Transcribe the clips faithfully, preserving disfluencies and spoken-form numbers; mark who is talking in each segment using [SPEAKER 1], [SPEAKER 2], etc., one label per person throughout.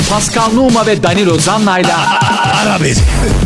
[SPEAKER 1] Pascal Numa ve Danilo Zanna'yla
[SPEAKER 2] Ara beni.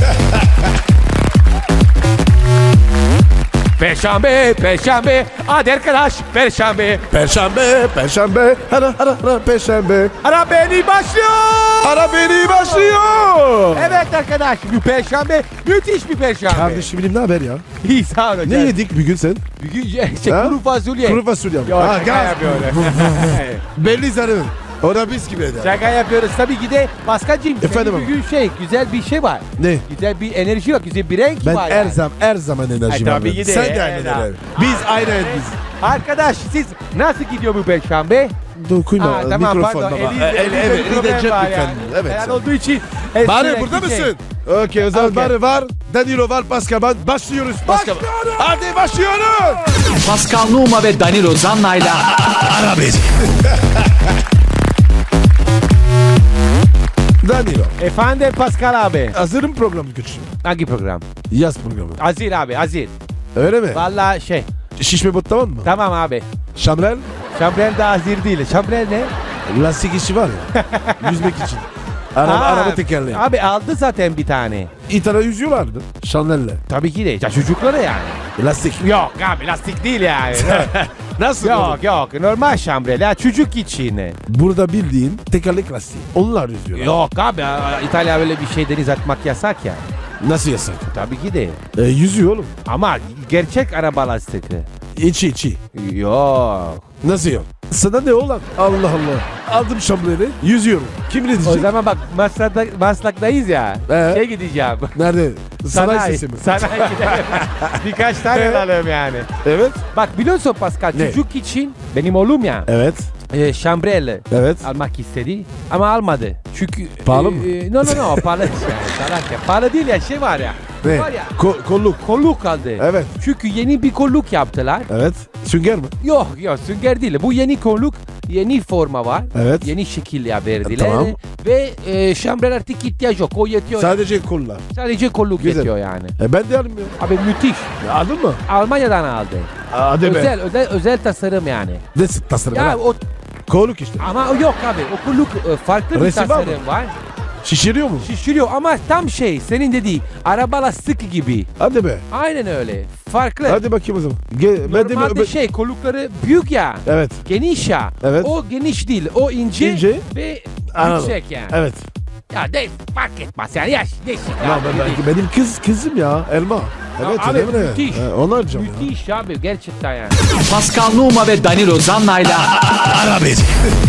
[SPEAKER 3] Perşembe, Perşembe, hadi arkadaş, Perşembe.
[SPEAKER 2] Perşembe, Perşembe, ara ara ara Perşembe.
[SPEAKER 3] Ara beni başlıyor.
[SPEAKER 2] Ara beni başlıyor.
[SPEAKER 3] Evet arkadaş, bu Perşembe müthiş bir Perşembe.
[SPEAKER 2] Kardeşim benim ne haber ya?
[SPEAKER 3] İyi sağ ol hocam.
[SPEAKER 2] Ne yedik bugün sen?
[SPEAKER 3] Bugün şey, şey,
[SPEAKER 2] Ha?
[SPEAKER 3] kuru fasulye.
[SPEAKER 2] Kuru fasulye.
[SPEAKER 3] Yok,
[SPEAKER 2] Ha,
[SPEAKER 3] şaka
[SPEAKER 2] gaz.
[SPEAKER 3] yapıyorum.
[SPEAKER 2] Belli zararın. O da biz gibi eder.
[SPEAKER 3] Şaka yapıyoruz. Tabii ki de Paskal'cığım,
[SPEAKER 2] Efendim
[SPEAKER 3] senin bugün şey, güzel bir şey var.
[SPEAKER 2] Ne?
[SPEAKER 3] Güzel bir enerji yok, güzel bir renk
[SPEAKER 2] Ben
[SPEAKER 3] var
[SPEAKER 2] her
[SPEAKER 3] yani.
[SPEAKER 2] zaman her zaman enerjim
[SPEAKER 3] Ay,
[SPEAKER 2] var.
[SPEAKER 3] tabii ki de.
[SPEAKER 2] Sen de
[SPEAKER 3] Evet,
[SPEAKER 2] aynı
[SPEAKER 3] abi.
[SPEAKER 2] Biz aynı biz.
[SPEAKER 3] Arkadaş siz nasıl gidiyor bu Perşembe?
[SPEAKER 2] Dokunma
[SPEAKER 3] Ha, tamam
[SPEAKER 2] mikrofon
[SPEAKER 3] pardon.
[SPEAKER 2] baba.
[SPEAKER 3] Eliz,
[SPEAKER 2] E, el-
[SPEAKER 3] elinizde
[SPEAKER 2] evet,
[SPEAKER 3] bir problem
[SPEAKER 2] elinde
[SPEAKER 3] var
[SPEAKER 2] cep
[SPEAKER 3] yani.
[SPEAKER 2] lütfen. Evet.
[SPEAKER 3] Eğer olduğu için.
[SPEAKER 2] Bari
[SPEAKER 3] sürekli
[SPEAKER 2] burada
[SPEAKER 3] şey-
[SPEAKER 2] mısın? Okey o zaman
[SPEAKER 3] Okey.
[SPEAKER 2] Bari var. Danilo var. Pascal var. Başlıyoruz. Pascal.
[SPEAKER 3] Başlıyoruz.
[SPEAKER 2] Hadi başlıyoruz.
[SPEAKER 1] Pascal Numa ve Danilo Zanna'yla
[SPEAKER 2] Ara beni. Danilo.
[SPEAKER 3] Efendim Pascal abi.
[SPEAKER 2] Hazırım programı küçüğüm.
[SPEAKER 3] Hangi program?
[SPEAKER 2] Yaz programı.
[SPEAKER 3] Azir abi Azir.
[SPEAKER 2] Öyle mi?
[SPEAKER 3] Valla şey.
[SPEAKER 2] Şişme bot tamam mı?
[SPEAKER 3] Tamam abi.
[SPEAKER 2] Şamrel.
[SPEAKER 3] Şambrel de Azir değil. Şambrel ne?
[SPEAKER 2] Lastik işi var ya. Yüzmek için. Araba,
[SPEAKER 3] Ha,
[SPEAKER 2] araba tekerleği.
[SPEAKER 3] Abi aldı zaten bir tane.
[SPEAKER 2] İtalya yüzüyorlardı. Şanel'le.
[SPEAKER 3] Tabii ki de. Ya çocuklara yani.
[SPEAKER 2] Lastik.
[SPEAKER 3] Yok abi lastik değil yani.
[SPEAKER 2] Nasıl?
[SPEAKER 3] yok
[SPEAKER 2] oğlum?
[SPEAKER 3] yok normal şambrel ya çocuk için.
[SPEAKER 2] Burada bildiğin tekerlek lastiği. Onlar yüzüyorlar.
[SPEAKER 3] Yok abi İtalya böyle bir şey deniz atmak yasak ya.
[SPEAKER 2] Nasıl yasak?
[SPEAKER 3] Tabii ki de.
[SPEAKER 2] E, yüzüyor oğlum.
[SPEAKER 3] Ama gerçek araba lastiği.
[SPEAKER 2] İçi içi.
[SPEAKER 3] Yok.
[SPEAKER 2] Nasıl yok? Sana ne oğlan? Allah Allah. Aldım şamreli. Yüzüyorum. Kim ne
[SPEAKER 3] O
[SPEAKER 2] diyecek?
[SPEAKER 3] zaman bak Maslak'ta, Maslak'tayız ya.
[SPEAKER 2] Ee?
[SPEAKER 3] Şey gideceğim.
[SPEAKER 2] Nerede? Sanayi sesi mi?
[SPEAKER 3] Sanayi gidelim. Birkaç tane
[SPEAKER 2] Evet.
[SPEAKER 3] alalım yani.
[SPEAKER 2] Evet.
[SPEAKER 3] Bak biliyorsun Pascal
[SPEAKER 2] Ne?
[SPEAKER 3] çocuk için benim oğlum ya.
[SPEAKER 2] Evet.
[SPEAKER 3] E, şambrel
[SPEAKER 2] Evet.
[SPEAKER 3] almak istedi ama almadı. Çünkü
[SPEAKER 2] Pahalı
[SPEAKER 3] e,
[SPEAKER 2] mı?
[SPEAKER 3] E, no no no pahalı. yani, salak ya. Pahalı değil ya şey var ya.
[SPEAKER 2] Ne?
[SPEAKER 3] Var ya.
[SPEAKER 2] Ko- kolluk.
[SPEAKER 3] Kolluk aldı.
[SPEAKER 2] Evet.
[SPEAKER 3] Çünkü yeni bir kolluk yaptılar.
[SPEAKER 2] Evet. Sünger mi?
[SPEAKER 3] Yok yok sünger değil. Bu yeni kolluk yeni forma var.
[SPEAKER 2] Evet.
[SPEAKER 3] Yeni şekil ya verdiler.
[SPEAKER 2] Tamam.
[SPEAKER 3] Ve e, şambrel artık ihtiyaç yok. O yetiyor.
[SPEAKER 2] Sadece kollar.
[SPEAKER 3] Sadece kolluk
[SPEAKER 2] Güzel.
[SPEAKER 3] yetiyor yani.
[SPEAKER 2] E ben de almıyorum.
[SPEAKER 3] Abi müthiş.
[SPEAKER 2] Aldın mı?
[SPEAKER 3] Almanya'dan aldı.
[SPEAKER 2] Hadi be.
[SPEAKER 3] Özel, özel özel tasarım yani.
[SPEAKER 2] Ne tasarım?
[SPEAKER 3] Ya
[SPEAKER 2] Ya,
[SPEAKER 3] o
[SPEAKER 2] kolluk işte.
[SPEAKER 3] ama o yok abi. O kolluk e, farklı bir
[SPEAKER 2] Resim var mı?
[SPEAKER 3] tasarım var.
[SPEAKER 2] Şişiriyor mu?
[SPEAKER 3] Şişiriyor ama tam şey senin dediğin araba lastik gibi.
[SPEAKER 2] Hadi be.
[SPEAKER 3] Aynen öyle. Farklı.
[SPEAKER 2] Hadi bakayım o zaman. Ge- ben de
[SPEAKER 3] Normalde
[SPEAKER 2] ben-
[SPEAKER 3] şey kollukları büyük ya.
[SPEAKER 2] Evet.
[SPEAKER 3] Geniş ya.
[SPEAKER 2] Evet.
[SPEAKER 3] O geniş değil. O ince,
[SPEAKER 2] İnce.
[SPEAKER 3] ve
[SPEAKER 2] Anladım.
[SPEAKER 3] yüksek yani.
[SPEAKER 2] Evet.
[SPEAKER 3] Ya de fark etmez yani. Yaş değişik.
[SPEAKER 2] Ya
[SPEAKER 3] abi,
[SPEAKER 2] ben,
[SPEAKER 3] değil.
[SPEAKER 2] ben- benim kız kızım ya Elma. Evet.
[SPEAKER 3] abi,
[SPEAKER 2] öyle mi?
[SPEAKER 3] müthiş.
[SPEAKER 2] He, onu arayacağım ya.
[SPEAKER 3] Müthiş abi gerçekten yani.
[SPEAKER 1] Pascal Numa ve Danilo Zanna'yla
[SPEAKER 2] Ara beni.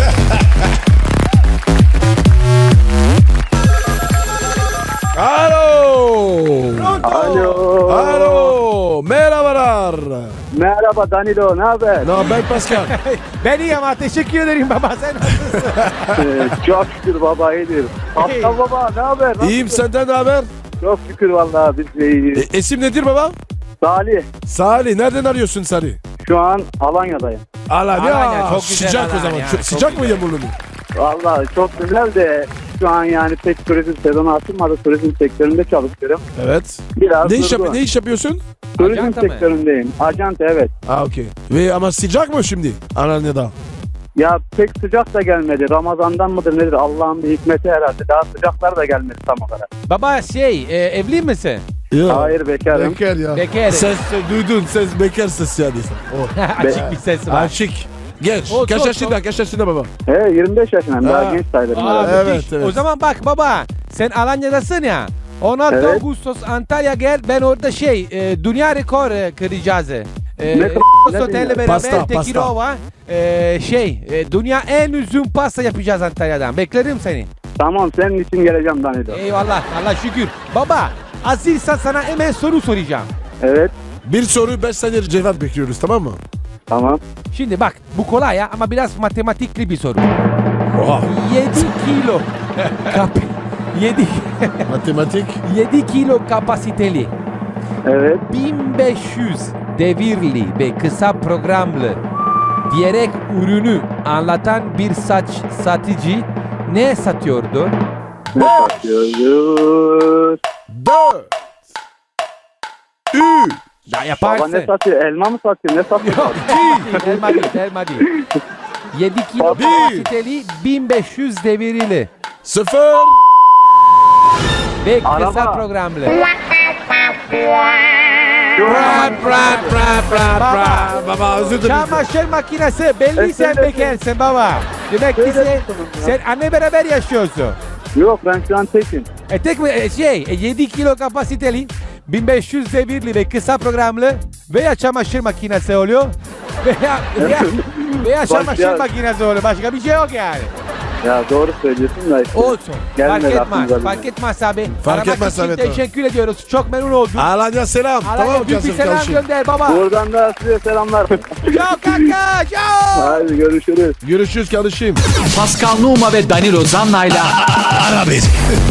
[SPEAKER 2] Alo.
[SPEAKER 4] Alo.
[SPEAKER 2] Alo. Merhabalar.
[SPEAKER 4] Merhaba Danilo, ne haber?
[SPEAKER 2] Ne haber Pascal?
[SPEAKER 3] Ben iyi ama teşekkür ederim baba sen nasılsın?
[SPEAKER 4] Ee, Çok şükür baba, iyidir. Aslan baba, ne haber? Nasılsın?
[SPEAKER 2] İyiyim, senden ne haber?
[SPEAKER 4] Çok şükür vallahi biz de iyiyiz.
[SPEAKER 2] E, isim nedir baba?
[SPEAKER 4] Salih,
[SPEAKER 2] Salih. Nereden arıyorsun Salih?
[SPEAKER 4] şu an Alanya'dayım.
[SPEAKER 2] Alanya.
[SPEAKER 3] Alanya, çok güzel
[SPEAKER 2] Sıcak o
[SPEAKER 3] Alanya,
[SPEAKER 2] zaman.
[SPEAKER 3] çok
[SPEAKER 2] Çok sıcak mı
[SPEAKER 3] güzel.
[SPEAKER 2] yağmurlu mu?
[SPEAKER 4] Vallahi çok güzel de şu an yani pek turizm sezonu açılmadı. Turizm sektöründe çalışıyorum.
[SPEAKER 2] Evet.
[SPEAKER 4] Biraz
[SPEAKER 2] Ne iş,
[SPEAKER 4] durgun.
[SPEAKER 2] yap- ne iş yapıyorsun?
[SPEAKER 4] Turizm
[SPEAKER 3] Ajanta mı?
[SPEAKER 4] sektöründeyim. Ajant, evet.
[SPEAKER 2] Ha okey. Ve ama sıcak mı şimdi Alanya'da?
[SPEAKER 4] Ya pek sıcak da gelmedi. Ramazan'dan mıdır nedir? Allah'ın bir hikmeti herhalde. Daha sıcaklar da gelmedi tam olarak.
[SPEAKER 3] Baba şey e, evli misin?
[SPEAKER 2] Ya.
[SPEAKER 4] Hayır, bekarım.
[SPEAKER 2] Bekar ya.
[SPEAKER 3] Bekar.
[SPEAKER 2] Ses duydun ses bekar ses yani sen. Oh.
[SPEAKER 3] Açık bir ses var.
[SPEAKER 2] Açık. Genç.
[SPEAKER 3] O
[SPEAKER 2] Kaç
[SPEAKER 3] çok,
[SPEAKER 2] yaşında?
[SPEAKER 3] çok.
[SPEAKER 2] Kaç yaşında baba?
[SPEAKER 4] He, yirmi beş yaşındayım.
[SPEAKER 2] Ha.
[SPEAKER 4] Daha genç sayılırım.
[SPEAKER 3] Aa,
[SPEAKER 4] herhalde.
[SPEAKER 2] Evet,
[SPEAKER 3] müthiş.
[SPEAKER 2] evet.
[SPEAKER 3] O zaman bak baba sen Alanya'dasın ya. on altı
[SPEAKER 4] Evet.
[SPEAKER 3] Ağustos Antalya gel ben orada şey e, dünya rekor e, kıracağız. E,
[SPEAKER 4] Ne-
[SPEAKER 3] Ağustos
[SPEAKER 4] ne
[SPEAKER 3] Otel'le
[SPEAKER 4] dünya?
[SPEAKER 3] beraber
[SPEAKER 2] Pasta,
[SPEAKER 3] Tekirova e, şey e, dünya en uzun pasta yapacağız Antalya'dan. Beklerim seni.
[SPEAKER 4] Tamam, senin için geleceğim Danilo.
[SPEAKER 3] Eyvallah Allah şükür. Baba Azilsa sana hemen soru soracağım.
[SPEAKER 4] Evet,
[SPEAKER 2] Bir soru beş saniye cevap bekliyoruz tamam mı?
[SPEAKER 4] tamam.
[SPEAKER 3] Şimdi bak bu kolay ya ama biraz matematikli bir soru.
[SPEAKER 2] Oha.
[SPEAKER 3] yedi kilo kap yedi
[SPEAKER 2] Matematik.
[SPEAKER 3] yedi kilo kapasiteli
[SPEAKER 4] Evet.
[SPEAKER 3] bin beş yüz devirli ve kısa programlı diyerek ürünü anlatan bir saç satıcı ne satıyordu?
[SPEAKER 4] Ne satıyoruz?
[SPEAKER 2] Dört. Üç.
[SPEAKER 3] Ya
[SPEAKER 4] Baba
[SPEAKER 3] yaparsın.
[SPEAKER 4] ne satıyor? Elma mı satıyor? Ne satıyor?
[SPEAKER 3] Yok değil. Elma değil. Elma değil. yedi kilo
[SPEAKER 2] Bir.
[SPEAKER 3] kapasiteli bin beş yüz devirli.
[SPEAKER 2] Sıfır.
[SPEAKER 3] Ve kısa
[SPEAKER 4] Araba.
[SPEAKER 3] programlı.
[SPEAKER 2] Bra bra bra bra bra. Baba özür dilerim.
[SPEAKER 3] Çamaşır makinesi belli sen
[SPEAKER 4] Öyle-
[SPEAKER 3] bekarsın baba. Demek ki
[SPEAKER 4] Öyle
[SPEAKER 3] sen,
[SPEAKER 4] diyorsunuz ya.
[SPEAKER 3] sen anne beraber yaşıyorsun.
[SPEAKER 4] Yok ben şu an tekim.
[SPEAKER 3] E tek mi e, şey e, yedi kilo kapasiteli bin beş yüz devirli ve kısa programlı veya çamaşır makinesi oluyor veya veya, veya çamaşır
[SPEAKER 4] Başka-
[SPEAKER 3] makinesi oluyor. Başka bir şey yok yani.
[SPEAKER 4] Ya doğru söylüyorsun da işte.
[SPEAKER 3] Olsun.
[SPEAKER 4] Gelmedi
[SPEAKER 3] Fark
[SPEAKER 4] aklımıza
[SPEAKER 3] etmez.
[SPEAKER 4] bile.
[SPEAKER 3] Fark etmez abi.
[SPEAKER 2] Fark
[SPEAKER 3] Aramak
[SPEAKER 2] etmez
[SPEAKER 3] için
[SPEAKER 2] abi, tamam.
[SPEAKER 3] teşekkür ediyoruz. Çok memnun oldum.
[SPEAKER 2] Alanya selam.
[SPEAKER 3] Alanya
[SPEAKER 2] Tamam
[SPEAKER 3] büyük bir
[SPEAKER 2] Kasım
[SPEAKER 3] selam
[SPEAKER 2] kardeşim.
[SPEAKER 3] gönder baba.
[SPEAKER 4] Buradan da size selamlar.
[SPEAKER 3] Ciao kanka. Ciao.
[SPEAKER 4] Hadi görüşürüz.
[SPEAKER 2] Görüşürüz kardeşim.
[SPEAKER 1] Pascal Numa ve Danilo Zanna'yla
[SPEAKER 2] Ara beni.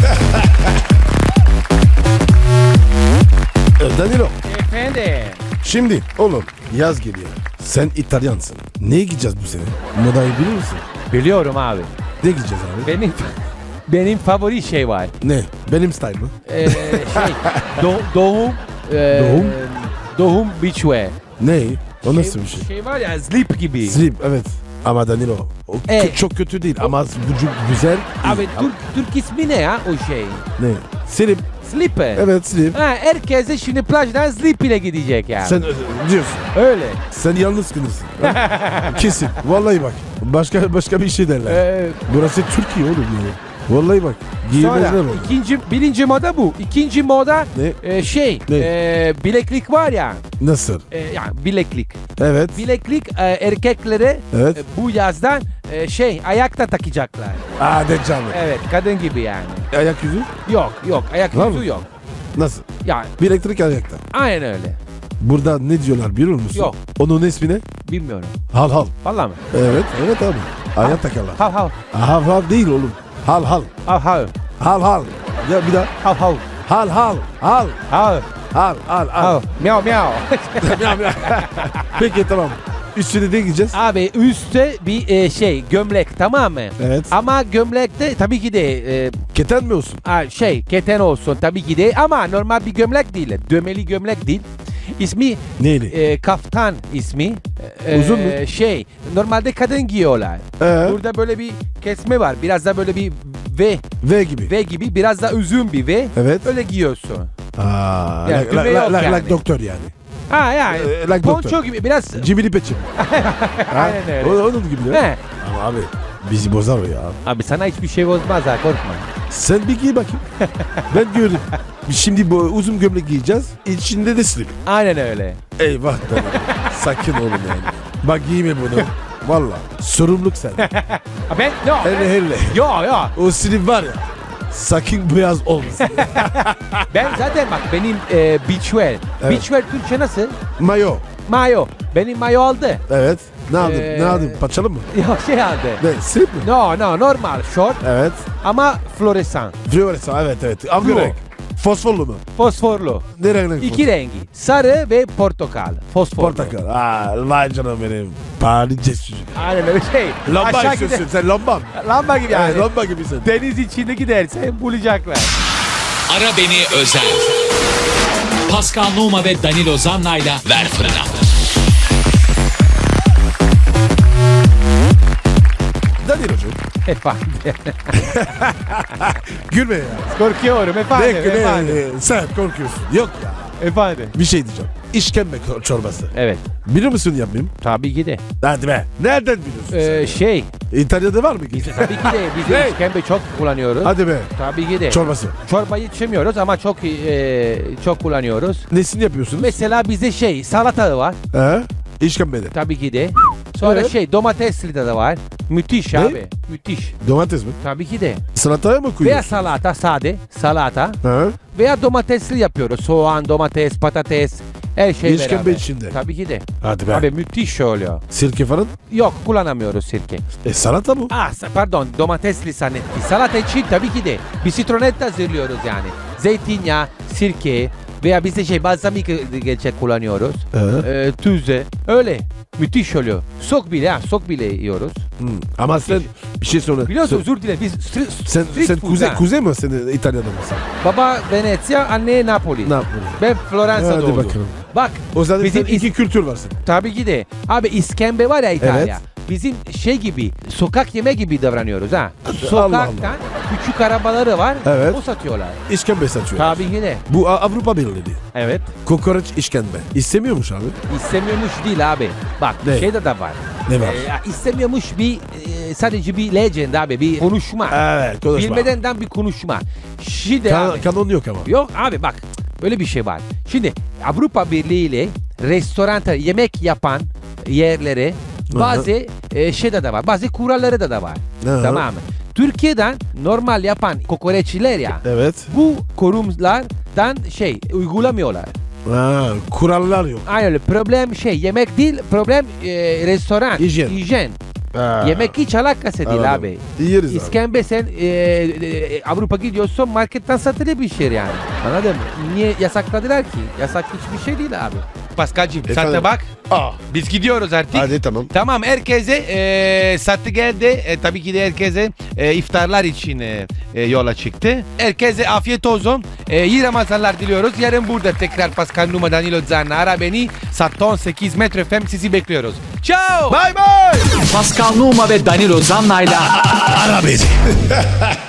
[SPEAKER 2] E, Danilo.
[SPEAKER 3] Efendim.
[SPEAKER 2] Şimdi oğlum yaz geliyor. Sen İtalyansın. Neye gideceğiz bu sene? Modayı bilir misin?
[SPEAKER 3] Biliyorum abi.
[SPEAKER 2] Ne gideceğiz abi?
[SPEAKER 3] Benim benim favori şey var.
[SPEAKER 2] Ne? Benim style mı?
[SPEAKER 3] Ee, şey do- doğum e,
[SPEAKER 2] Doğum?
[SPEAKER 3] doğum beachwear.
[SPEAKER 2] Ne? O nasıl bir şey?
[SPEAKER 3] Şey var ya slip gibi.
[SPEAKER 2] Slip evet. Ama Danilo o kö-
[SPEAKER 3] Evet.
[SPEAKER 2] çok kötü değil ama vücut güzel.
[SPEAKER 3] Abi
[SPEAKER 2] iyi.
[SPEAKER 3] Türk, Türk ismi ne ya o şey?
[SPEAKER 2] Ne? Slip.
[SPEAKER 3] Slip.
[SPEAKER 2] Evet slip.
[SPEAKER 3] Ha, herkese şimdi plajdan slip ile gidecek yani.
[SPEAKER 2] Sen e, diyorsun.
[SPEAKER 3] Öyle.
[SPEAKER 2] Sen yalnız kılırsın. Kesin. Vallahi bak. Başka başka bir şey derler.
[SPEAKER 3] Ee,
[SPEAKER 2] Burası Türkiye oğlum yani. Vallahi bak. Giymezler
[SPEAKER 3] sonra
[SPEAKER 2] onu.
[SPEAKER 3] ikinci, birinci moda bu. İkinci moda
[SPEAKER 2] Ne?
[SPEAKER 3] e, şey
[SPEAKER 2] Ne?
[SPEAKER 3] e, bileklik var ya.
[SPEAKER 2] Nasıl?
[SPEAKER 3] E, yani bileklik.
[SPEAKER 2] Evet.
[SPEAKER 3] Bileklik e, erkeklere
[SPEAKER 2] Evet.
[SPEAKER 3] e, bu yazdan e, şey ayakta takacaklar.
[SPEAKER 2] Aa de canlı.
[SPEAKER 3] Evet kadın gibi yani.
[SPEAKER 2] Ayak yüzü?
[SPEAKER 3] Yok yok ayak
[SPEAKER 2] Var
[SPEAKER 3] yüzü
[SPEAKER 2] mı?
[SPEAKER 3] yok.
[SPEAKER 2] Nasıl?
[SPEAKER 3] Yani
[SPEAKER 2] Bir elektrik ayakta.
[SPEAKER 3] aynen öyle.
[SPEAKER 2] Burada ne diyorlar biliyor musun?
[SPEAKER 3] Yok.
[SPEAKER 2] Onun ismi ne?
[SPEAKER 3] Bilmiyorum.
[SPEAKER 2] Hal hal.
[SPEAKER 3] Vallahi mi?
[SPEAKER 2] Evet. Evet abi. Ayak takarlar.
[SPEAKER 3] Hav hav.
[SPEAKER 2] Hal hal değil oğlum. Hal hal.
[SPEAKER 3] Hav hav.
[SPEAKER 2] Hal hal. Ya bir daha.
[SPEAKER 3] Hav hav.
[SPEAKER 2] Hal hal. Hal.
[SPEAKER 3] Hav.
[SPEAKER 2] Hal hal hal.
[SPEAKER 3] Hav. Miau miau.
[SPEAKER 2] Peki tamam. Üstüne ne giyeceğiz?
[SPEAKER 3] Abi üstte bir e, şey gömlek tamam mı?
[SPEAKER 2] Evet.
[SPEAKER 3] Ama gömlekte tabii ki de e,
[SPEAKER 2] Keten mi olsun?
[SPEAKER 3] ha, şey keten olsun tabii ki de ama normal bir gömlek değil. Dömeli gömlek değil. İsmi
[SPEAKER 2] Neyli?
[SPEAKER 3] e, kaftan ismi. E,
[SPEAKER 2] Uzun mu?
[SPEAKER 3] Şey normalde kadın giyiyorlar.
[SPEAKER 2] Ee,
[SPEAKER 3] Burada böyle bir kesme var. Biraz da böyle bir V
[SPEAKER 2] V gibi.
[SPEAKER 3] V gibi biraz da uzun bir V.
[SPEAKER 2] Evet.
[SPEAKER 3] Öyle giyiyorsun.
[SPEAKER 2] Aa,
[SPEAKER 3] Yani
[SPEAKER 2] like,
[SPEAKER 3] düğme
[SPEAKER 2] like,
[SPEAKER 3] yok
[SPEAKER 2] like,
[SPEAKER 3] yani.
[SPEAKER 2] like doktor yani.
[SPEAKER 3] Ha yani
[SPEAKER 2] Ee, like
[SPEAKER 3] ponço
[SPEAKER 2] doktor.
[SPEAKER 3] gibi biraz.
[SPEAKER 2] Cibili peçim.
[SPEAKER 3] Aynen öyle.
[SPEAKER 2] O, onun gibi ya.
[SPEAKER 3] He.
[SPEAKER 2] Ama abi bizi bozar o ya.
[SPEAKER 3] Abi sana hiçbir şey bozmaz ha korkma.
[SPEAKER 2] Sen bir giy bakayım. Ben gördüm. Şimdi bu uzun gömlek giyeceğiz. İçinde de slip.
[SPEAKER 3] Aynen öyle.
[SPEAKER 2] Eyvah be. Sakin oğlum yani. Bak giyme bunu. Valla. Sorumluluk sen.
[SPEAKER 3] Ha ben no.
[SPEAKER 2] Hele hele.
[SPEAKER 3] Yo yo.
[SPEAKER 2] O slip var ya. Sakın beyaz olmasın.
[SPEAKER 3] Ben zaten bak benim e, beachwear. Beachwear Türkçe nasıl?
[SPEAKER 2] Mayo.
[SPEAKER 3] Mayo. Benim mayo aldı.
[SPEAKER 2] Evet. Ne aldın?
[SPEAKER 3] Ee,
[SPEAKER 2] Ne aldın? Paçalı mı?
[SPEAKER 3] Yok şey aldı.
[SPEAKER 2] Ne? Slip mi?
[SPEAKER 3] No no normal short
[SPEAKER 2] Evet.
[SPEAKER 3] ama floresan.
[SPEAKER 2] Fluoresan evet evet. Hangi
[SPEAKER 3] Fluo.
[SPEAKER 2] renk? Fosforlu mu?
[SPEAKER 3] Fosforlu.
[SPEAKER 2] Ne renk? renk
[SPEAKER 3] İki rengi. Sarı ve portakal. Fosforlu.
[SPEAKER 2] Portakal. Aa, vay canım benim. Paris cesur.
[SPEAKER 3] Aynen öyle şey.
[SPEAKER 2] Lamba
[SPEAKER 3] Aşağı
[SPEAKER 2] istiyorsun.
[SPEAKER 3] gider.
[SPEAKER 2] Sen lamba mı?
[SPEAKER 3] Lamba gibi yani.
[SPEAKER 2] Evet, lamba gibisin.
[SPEAKER 3] Deniz içinde gidersen bulacaklar.
[SPEAKER 1] Ara Beni Özel. Pascal Numa ve Danilo Zanna'yla Ver Fırına.
[SPEAKER 2] Danilo'cum.
[SPEAKER 3] Efendim.
[SPEAKER 2] Gülme ya.
[SPEAKER 3] Korkuyorum
[SPEAKER 2] Ne,
[SPEAKER 3] efendim.
[SPEAKER 2] ne,
[SPEAKER 3] efendim.
[SPEAKER 2] ne, sen korkuyorsun. Yok ya.
[SPEAKER 3] Efendim.
[SPEAKER 2] Bir şey diyeceğim. İşkembe çorbası.
[SPEAKER 3] Evet.
[SPEAKER 2] Biliyor musun yapmayayım?
[SPEAKER 3] Tabii ki de.
[SPEAKER 2] Hadi be. Nereden biliyorsun
[SPEAKER 3] Ee,
[SPEAKER 2] sen?
[SPEAKER 3] şey.
[SPEAKER 2] İtalya'da var mı?
[SPEAKER 3] Biz de tabii ki de biz
[SPEAKER 2] Ne?
[SPEAKER 3] de işkembe çok kullanıyoruz.
[SPEAKER 2] Hadi be.
[SPEAKER 3] Tabii ki de.
[SPEAKER 2] Çorbası.
[SPEAKER 3] Çorbayı içemiyoruz ama çok e, çok kullanıyoruz.
[SPEAKER 2] Nesini yapıyorsunuz?
[SPEAKER 3] Mesela bizde şey salata var.
[SPEAKER 2] He? İşkembede.
[SPEAKER 3] Tabii ki de. Sonra
[SPEAKER 2] Evet.
[SPEAKER 3] şey domatesli de var. Müthiş
[SPEAKER 2] Ne?
[SPEAKER 3] abi. Müthiş.
[SPEAKER 2] Domates mi?
[SPEAKER 3] Tabii ki de.
[SPEAKER 2] Salataya mı
[SPEAKER 3] Veya
[SPEAKER 2] koyuyorsun?
[SPEAKER 3] salata sade. Salata.
[SPEAKER 2] He?
[SPEAKER 3] Veya domatesli yapıyoruz. Soğan, domates, patates. Her şey
[SPEAKER 2] İşkembe
[SPEAKER 3] beraber.
[SPEAKER 2] içinde.
[SPEAKER 3] Tabii ki de.
[SPEAKER 2] Hadi be.
[SPEAKER 3] Abi müthiş oluyor.
[SPEAKER 2] Sirke falan?
[SPEAKER 3] Yok kullanamıyoruz sirke.
[SPEAKER 2] E salata bu.
[SPEAKER 3] Ah sa- pardon domatesli sanetti. Salata için tabii ki de bir sitronet hazırlıyoruz yani. Zeytinyağı, sirke veya bizde şey balsamik gerçek kullanıyoruz.
[SPEAKER 2] He?
[SPEAKER 3] Ee, tüze. Öyle. Müthiş oluyor. Sok bile ha sok bile yiyoruz.
[SPEAKER 2] Hmm. Ama sen bir şey söyle.
[SPEAKER 3] Biliyorsun
[SPEAKER 2] Sen,
[SPEAKER 3] özür dilerim biz stri-
[SPEAKER 2] sen,
[SPEAKER 3] street
[SPEAKER 2] sen
[SPEAKER 3] food
[SPEAKER 2] kuzey,
[SPEAKER 3] ha.
[SPEAKER 2] kuzey mi sen İtalya'da mısın?
[SPEAKER 3] Baba Venezia, anne Napoli.
[SPEAKER 2] Ne yapıyorsun?
[SPEAKER 3] Ben Floransa'da
[SPEAKER 2] Hadi
[SPEAKER 3] oldum.
[SPEAKER 2] bakalım.
[SPEAKER 3] Bak
[SPEAKER 2] O zaman
[SPEAKER 3] bizim
[SPEAKER 2] sen iki kültür varsın.
[SPEAKER 3] tabii ki de. Abi iskembe var ya İtalya.
[SPEAKER 2] Evet.
[SPEAKER 3] Bizim şey gibi sokak yeme gibi davranıyoruz ha.
[SPEAKER 2] Allah
[SPEAKER 3] Sokaktan küçük arabaları var.
[SPEAKER 2] Evet.
[SPEAKER 3] O satıyorlar.
[SPEAKER 2] İşkembe satıyor.
[SPEAKER 3] Tabii ki de.
[SPEAKER 2] Bu A- Avrupa Birliği.
[SPEAKER 3] Evet.
[SPEAKER 2] Kokoreç işkembe. İstemiyormuş abi.
[SPEAKER 3] İstemiyormuş değil abi. Bak
[SPEAKER 2] Ne?
[SPEAKER 3] şeyde de var.
[SPEAKER 2] Ne var?
[SPEAKER 3] Ee, ya istemiyormuş bir e, sadece bir legend abi, bir konuşma.
[SPEAKER 2] Evet, konuşma.
[SPEAKER 3] Bilmedenden bir konuşma. Şimdi
[SPEAKER 2] Kan-
[SPEAKER 3] abi.
[SPEAKER 2] kanon yok ama.
[SPEAKER 3] Yok abi bak böyle bir şey var. Şimdi Avrupa Birliği ile restoran yemek yapan yerlere bazı e, şeyde de var. Bazı kuralları da da var.
[SPEAKER 2] Aha.
[SPEAKER 3] Tamam mı? Türkiye'den normal yapan kokoreççiler ya.
[SPEAKER 2] Evet.
[SPEAKER 3] Bu kurumlardan şey uygulamıyorlar.
[SPEAKER 2] Ha, kurallar yok.
[SPEAKER 3] Aynen öyle. Problem şey yemek değil, problem e, restoran.
[SPEAKER 2] Hijyen.
[SPEAKER 3] Hijyen.
[SPEAKER 2] Ha.
[SPEAKER 3] Yemek hiç alakası değil
[SPEAKER 2] Anladım.
[SPEAKER 3] abi.
[SPEAKER 2] Yeriz abi.
[SPEAKER 3] İskembe sen e, e, Avrupa gidiyorsun marketten satılıyor bir şey yani. Anladın mı? Niye yasakladılar ki? Yasak hiçbir şey değil abi. Paskal'cığım sen
[SPEAKER 2] Efendim?
[SPEAKER 3] de bak.
[SPEAKER 2] Aa.
[SPEAKER 3] Biz gidiyoruz artık.
[SPEAKER 2] Hadi tamam.
[SPEAKER 3] Tamam herkese e, sattı geldi. E, tabii ki de herkese e, iftarlar için e, e, yola çıktı. Herkese afiyet olsun. E, iyi Ramazanlar diliyoruz. Yarın burada tekrar Pascal Numa, Danilo Zanna, ara beni. Saat on sekiz Metro F M sizi bekliyoruz. Ciao.
[SPEAKER 2] Bye bye.
[SPEAKER 1] Pascal Numa ve Danilo Zanna'yla
[SPEAKER 2] Ara beni.